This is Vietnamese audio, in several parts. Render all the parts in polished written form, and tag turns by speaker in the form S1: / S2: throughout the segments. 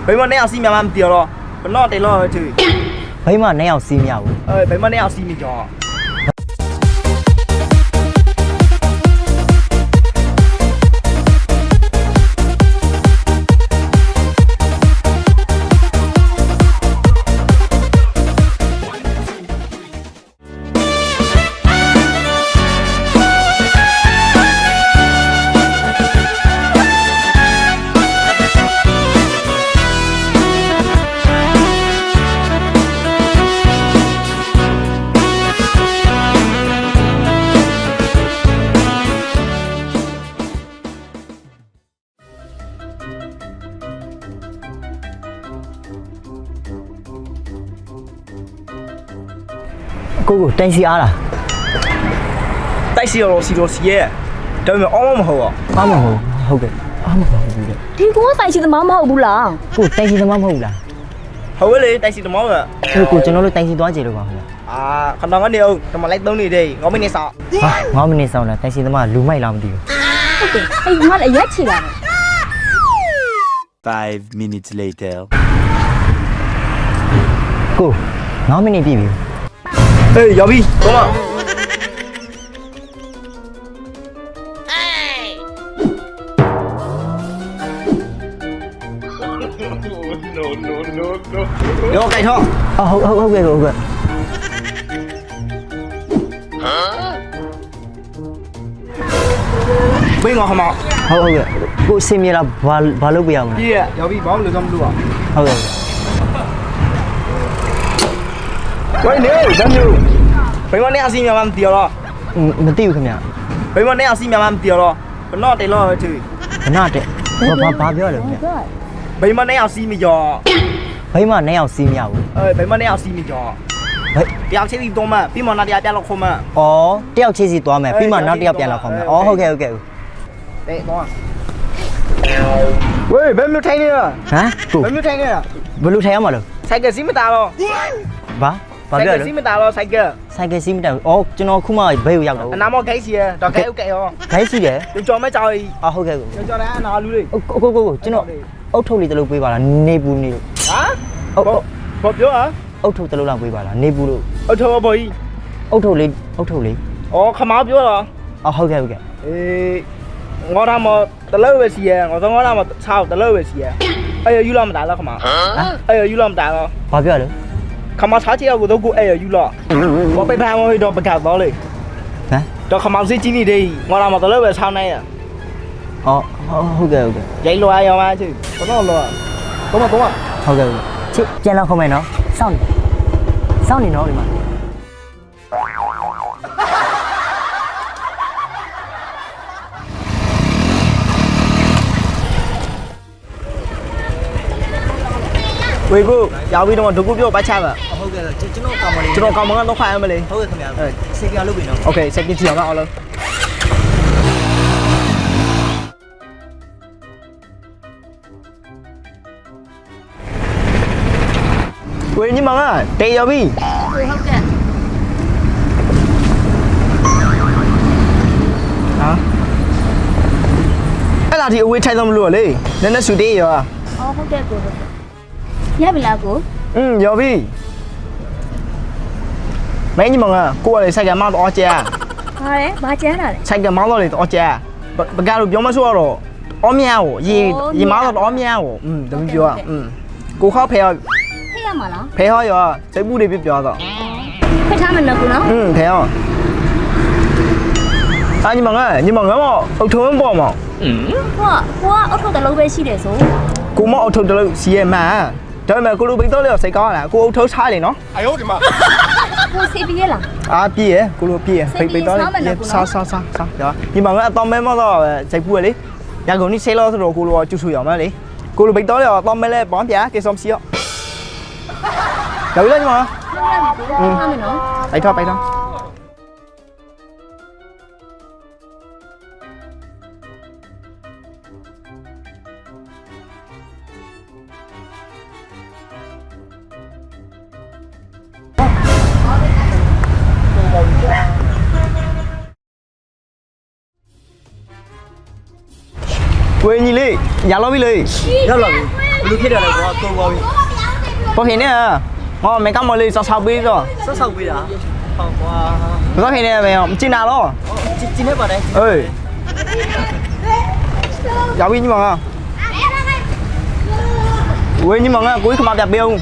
S1: bây mà nè xí mẹ làm tiêu rồi nó để lo chứ
S2: bây mà nè xí mẹ
S1: bây mà nè xí mẹ cho
S2: cô tay xì à là
S1: tay xì rồi ấy trời mày ôm mà hổ
S2: ôm mà hổ kì ôm mà hổ kì
S3: thì cũng có tay xì tao máu hậu bù là
S2: cô tay xì tao máu hổ là
S1: hổ cái gì tay xì tao máu à
S2: cô cho nó lấy tay xì toán gì được không
S1: còn đang có điều tao mà lấy tao này đi ngó bên này sao
S2: ngó bên này sao là tay xì tao mà lú mày làm gì
S3: ai ngó lại nhất chỉ là
S4: 5 minutes later.
S2: cô ngó bên này bị
S1: ê giáo viên đúng không vô cái thôi
S2: ok
S1: bên ngoài không ạ
S2: ok cô xem như là vào lúc bây giờ mà
S1: yeah giáo viên bảo được không luôn
S2: ok
S1: quay nếu rất nhiều bên ngoài này xin mẹ làm tiêu rồi
S2: mà tiêu không nhỉ
S1: bên ngoài này xin mẹ làm tiêu rồi nó để lo chứ
S2: nó để ba biết được nhỉ
S1: bên ngoài này xin mẹ cho
S2: bây mà nè xí mẹ
S1: bên ngoài này xin mẹ cho tiêu chế gì to mà bên ngoài này tiêu không mà
S2: tiêu chế gì to mà bên mà nó tiêu tiền là không mà ok
S1: đấy đó喂bên mình thấy nè
S2: hả
S1: bên mình thấy nè
S2: vừa lúc thấy mà được
S1: sai cái gì mà ta lo
S2: ba
S1: sai cái gì mà ta lo sai
S2: cái gì mà cho nó không mà bây giờ đâu
S1: anh nắm cái gì à cho cái ok không
S2: cái gì vậy
S1: tôi cho mấy trời
S2: ok
S1: cho đã nó luôn đi
S2: cô cho nó ốc thâu đi từ lúc bây giờ là nê bu nê
S1: hả một chỗ hả
S2: ốc thâu từ lúc làm bây giờ là nê bu
S1: ốc thâu bơi
S2: ốc thâu lý
S1: không áo chỗ rồi
S2: ok
S1: ngõ ra mà từ lâu về gì à ngõ ra ngõ ra mà sao từ lâu về gì à ai ở làm đại là không à ai ở làm đại rồi
S2: ba biết được
S1: không mà sao chỉ ở đâu cũng ai ở lo có phải phang thôi đó phải cả đó đi
S2: hả
S1: cho không áo gì chỉ đi đi ngõ ra mà từ lâu về sau này à
S2: ok
S1: vậy lo ai mà chứ có nó lo đúng không
S2: ok chứ cha nó không mày nó sao này nó đi mà
S1: 喂姑，giáo viên mà tôi cũng biết bài cha mà.
S2: ok chứ
S1: nó còn món ăn nó khoai mà đi.
S2: ok không nhớ xe kia lúc gì nó
S1: ok xe kia chiều nào luôn.喂nhưng mà á, đây giáo viên. Hả? Cái là thì uống chai dòng lửa đi, nên nó sụt đi rồi à?
S3: không được cô nhớ bị là cô
S1: giáo viên. Mấy nhưng mà cô này sai cái máu to chè.
S3: đấy ba chén này
S1: sai cái máu to to chè. Bà gà được giống mà xua rồi. Ốm nhau, gì máu to ốm nhau. Đúng chưa? Cô khó phèo.
S3: thế mà nó
S1: phèo rồi, sẽ bu đi biết rồi.
S3: phải tham mình là cô nó
S1: phèo. À nhưng mà ngớ mà, ông thương bỏ mà.
S3: cô ở thâu tại lâu về xí để số
S1: Cô mà ông thương từ lâu xí mà. Trời mà cô lúc biết tới là sẽ có là cô ông thương sai này nó.
S4: Ai hốt mà.
S3: cô sẽ biết là
S1: À bia, cô lúc bia, phải tới sao. Đó. Nhưng mà tóm mấy món đó chạy bùa đi. Nhà cô đi xe lo rồi cô lúc chú sủi mà đi. Cô lúc biết tới là tóm mấy lên bón giá cái xóm xíu. Chửi lên mà.
S3: tham mình nó
S1: Bay thôi. Quên gì đi, nhà lo đi.
S2: rất là လူဖြစ်တယ်လေကွာကိုပါပြီ
S1: có hình nè ngon mấy cam mồi lì sao sao biết rồi
S2: ဆော့ဆောက်ပေးတာဟုတ်ကွာ
S1: có hình nè mày không chín nào đó
S2: ကျင်းနေပါတယ်
S1: ơi giáo viên như mà ui nhưng mà cuối không đẹp biêu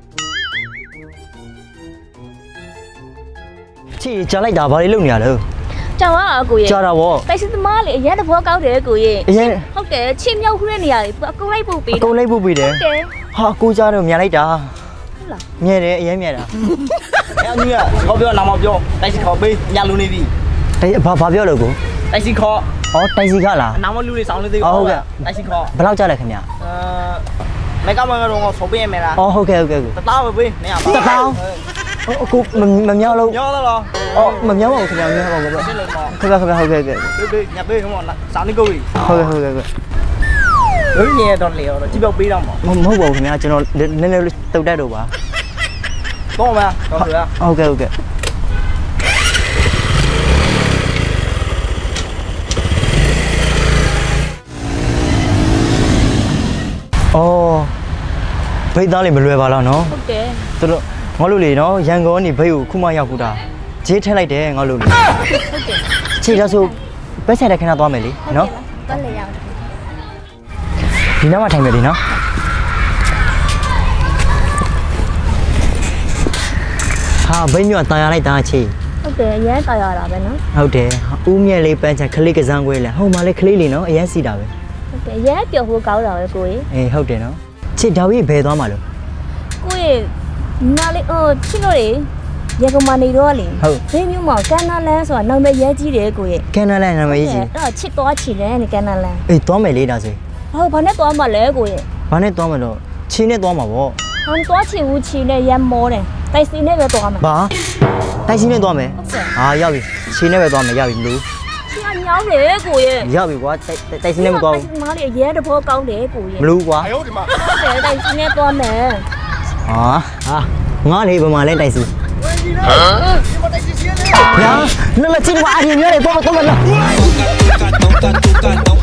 S2: ချီကြားလိုက်တာဘာလေးလုပ်နေရလဲ
S3: ကြောင်อ่ะကိုရဲ့
S2: ကြားတာဗော
S3: တိုက်စစ်သမားလေအရင်တဘောကောက်တယ်ကိုရဲ့
S2: အရင်
S3: ဟုတ်တယ်ချင်းမြောက်ခရတဲ့နေရာလေအကုန်လိုက်ပို့ပေး
S2: အကုန်လိုက်ဖို့ပေးတယ်
S3: တယ်
S2: ဟာကိုကြားတော့မြန်လိုက်တာ
S3: ဟုတ်လား
S2: မြဲတယ်အရင်မြဲတာ
S1: em như là có biêu nào mà biêu tay xịt khó bi nhà luôn đi vì
S2: ဘာပြောလို့ကို
S1: tay xịt khó
S2: အော်တိုက်စီကလား
S1: nào mà lưu đi sáu lên đi
S2: Ồ, kìa.
S1: tay xịt khó
S2: ဘယ်လောက်ကြားလဲခင်ဗျာ
S1: mấy cam mồi rồi số bi em mày là
S2: အော်ဟုတ်ကဲ့ဟုတ်ကဲ့ကို
S1: tao rồi bi mày à
S2: တစ်တောင်းအခုမမြောက်လို့
S1: nhớ đó rồi
S2: အော်မမြောက်ပါဘူးခင်ဗျာမမြောက်ပါဘူး
S1: cái lần mò
S2: ခင်ဗျာခင်ဗျာဟုတ်ကဲ့ဟုတ်ကဲ့
S1: đi nhà bi không mà sáu đi cười
S2: ဟုတ်ကဲ့ဟုတ်ကဲ့
S1: đối nhẹ đòn liều rồi chỉ biêu bi đâu mà
S2: မဟုတ်ပါဘူးခင်ဗျာကျွန်တော်နည်းနည်းလေးတုတ်တက်တော့ပါ
S1: có mà có được à
S2: ဟုတ်ကဲ့ဟုတ်ကဲ့အော်ဘိတ်သားလေးမလွယ်ပါလားနော်
S3: ဟုတ်တယ်
S2: သူတို့ငါတို့လေနော်ရန်ကုန်ကနေဘိတ်ကိုခုမှရောက်ခုတာဂျေးထက်လိုက်တယ်ငါတို့လေ
S3: ဟုတ်တယ်
S2: ခြေတော့ဆိုဘက်ဆက်တဲ့ခဏသွားမယ်လေနော်
S3: တက်လေရအောင်
S2: ဒီနားမှာထိုင်မယ်လေနော်ဟာဘိတ်မျိုးကတာယာလိုက်တာချေ
S3: ဟုတ်တယ်အရင်တော်ရတာပဲနော်
S2: ဟုတ်တယ်ဦးမြက်လေးပန်းချခလေးကစားခွဲလဲဟိုမှာလေခလေးလေးနော်အရင်စီတာပဲ
S3: ဟုတ်တယ်အရင်ပျော်ဖို့ကောင်းတာပဲကိုကြီး
S2: အေးဟုတ်တယ်နော်ချစ်ဒါဝိဘယ်သွားမှာလို့
S3: ကိုကြီးနားလေးချင်းတို့လေရေကမနေတော့လေဘေးမျိုးမှာကန်နာလန်းဆိုတာနောက်မဲ့ရဲကြီးတယ်ကိုကြီး
S2: ကန်နာလဲနာမည်ကြီး
S3: အဲ့တော့ချစ်သွားချင်တယ်နေကန်နာလန်း
S2: အေးသွားမယ်လေဒါဆို
S3: ဟုတ်ဘာနဲ့သွားမှလဲကိုကြီး
S2: ဘာနဲ့သွားမလို့ချင်းနဲ့သွားမှာပေါ့
S3: ဟန်သွားချင်ဦးချင်နဲ့ရမ်းမောတယ်တိုက်စီနဲ့ပဲသွားမှာ
S2: ဘာတိုက်ချင်းနဲ့သွားမယ်
S3: ဟုတ်ကဲ့
S2: ဟာရောက်ပြီချင်းနဲ့ပဲသွားမယ်ရောက်ပြီမလို့
S3: ချင်းကညောင်းတယ်ကိုကြီး
S2: ရောက်ပြီကွာတိုက်ချင်းနဲ့မသွားဘူး
S3: မားလေးအရင်တဘောကောင်းတယ်ကိုကြီး
S2: မလို့ကွာ
S3: ဟုတ်တယ်တိုက်စီနဲ့သွားမယ်
S2: ဟာငါလေဘယ်မှာလဲတိုက်စီညာနမချင်းမအရင်မျိုးလေပေါ်ပေါ်လာ
S4: toca, toca, toca, toca.